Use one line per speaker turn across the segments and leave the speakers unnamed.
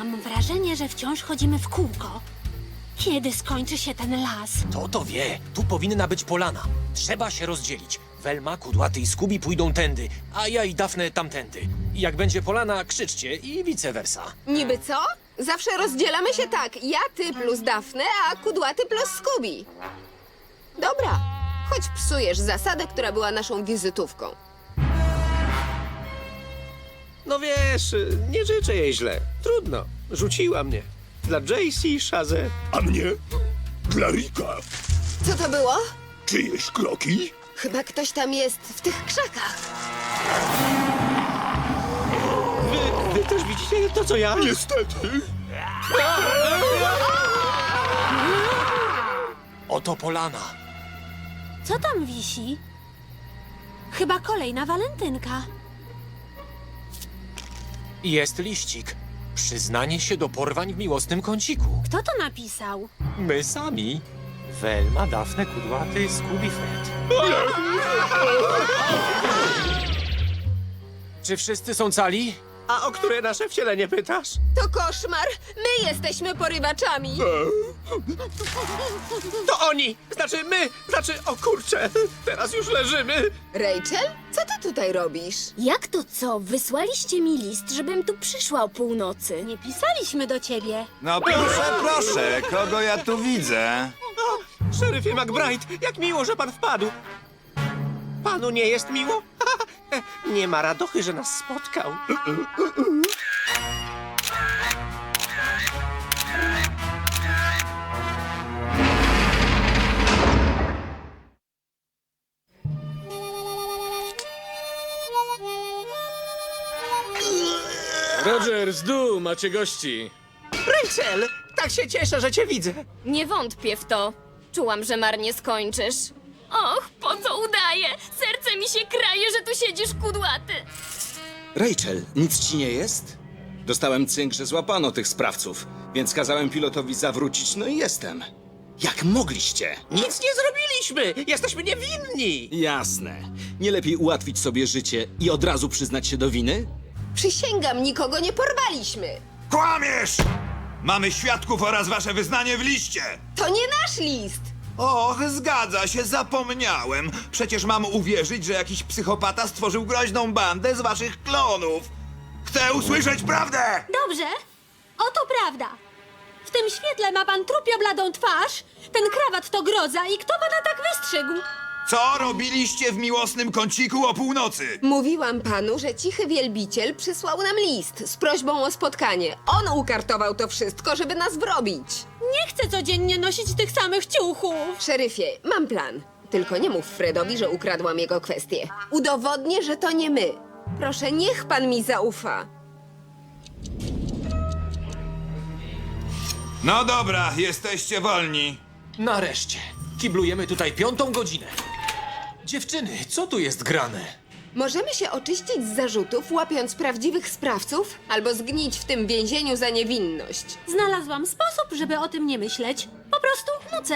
Mam wrażenie, że wciąż chodzimy w kółko. Kiedy skończy się ten las?
To wie. Tu powinna być polana. Trzeba się rozdzielić. Welma, Kudłaty i Skubi pójdą tędy, a ja i Dafne tamtędy. I jak będzie polana, krzyczcie i vice versa.
Niby co? Zawsze rozdzielamy się tak. Ja, ty plus Dafne, a Kudłaty plus Skubi. Dobra, choć psujesz zasadę, która była naszą wizytówką.
No wiesz, nie życzę jej źle. Trudno. Rzuciła mnie. Dla JC, Shazę.
A mnie? Dla Rika.
Co to było?
Czyjeś kroki?
Chyba ktoś tam jest w tych krzakach.
Wy też widzicie to, co ja?
Niestety.
Oto polana.
Co tam wisi? Chyba kolejna walentynka.
Jest liścik. Przyznanie się do porwań w miłosnym kąciku.
Kto to napisał?
My sami. Welma, Dafne, Kudłaty, Skubi, Fred. Czy wszyscy są cali?
A o które nasze wcielenie pytasz?
To koszmar! My jesteśmy porywaczami!
To oni! Znaczy my! Znaczy, o kurczę! Teraz już leżymy!
Rachel, co ty tutaj robisz?
Jak to co? Wysłaliście mi list, żebym tu przyszła o północy.
Nie pisaliśmy do ciebie.
No proszę, kogo ja tu widzę?
O, szeryfie McBride, jak miło, że pan wpadł! Panu nie jest miło? Nie ma radochy, że nas spotkał.
Rogers, Du, macie gości.
Rachel, tak się cieszę, że cię widzę.
Nie wątpię w to. Czułam, że marnie skończysz. Och, po co udaję? Serce mi się kraje, że tu siedzisz kudłaty.
Rachel, nic ci nie jest? Dostałem cynk, że złapano tych sprawców, więc kazałem pilotowi zawrócić, no i jestem. Jak mogliście?
Nic nie zrobiliśmy! Jesteśmy niewinni!
Jasne. Nie lepiej ułatwić sobie życie i od razu przyznać się do winy?
Przysięgam, nikogo nie porwaliśmy!
Kłamiesz! Mamy świadków oraz wasze wyznanie w liście!
To nie nasz list!
Och, zgadza się, zapomniałem. Przecież mam uwierzyć, że jakiś psychopata stworzył groźną bandę z waszych klonów. Chcę usłyszeć prawdę!
Dobrze, oto prawda. W tym świetle ma pan trupiobladą twarz, ten krawat to groza i kto pana tak wystrzygł?
Co robiliście w miłosnym kąciku o północy?
Mówiłam panu, że cichy wielbiciel przysłał nam list z prośbą o spotkanie. On ukartował to wszystko, żeby nas wrobić.
Nie chcę codziennie nosić tych samych ciuchów.
Szeryfie, mam plan. Tylko nie mów Fredowi, że ukradłam jego kwestię. Udowodnię, że to nie my. Proszę, niech pan mi zaufa.
No dobra, jesteście wolni.
Nareszcie. Kiblujemy tutaj 5. godzinę. Dziewczyny, co tu jest grane?
Możemy się oczyścić z zarzutów, łapiąc prawdziwych sprawców, albo zgnić w tym więzieniu za niewinność.
Znalazłam sposób, żeby o tym nie myśleć. Po prostu nucę.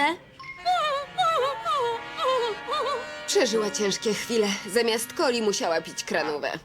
Przeżyła ciężkie chwile. Zamiast coli musiała pić kranówę.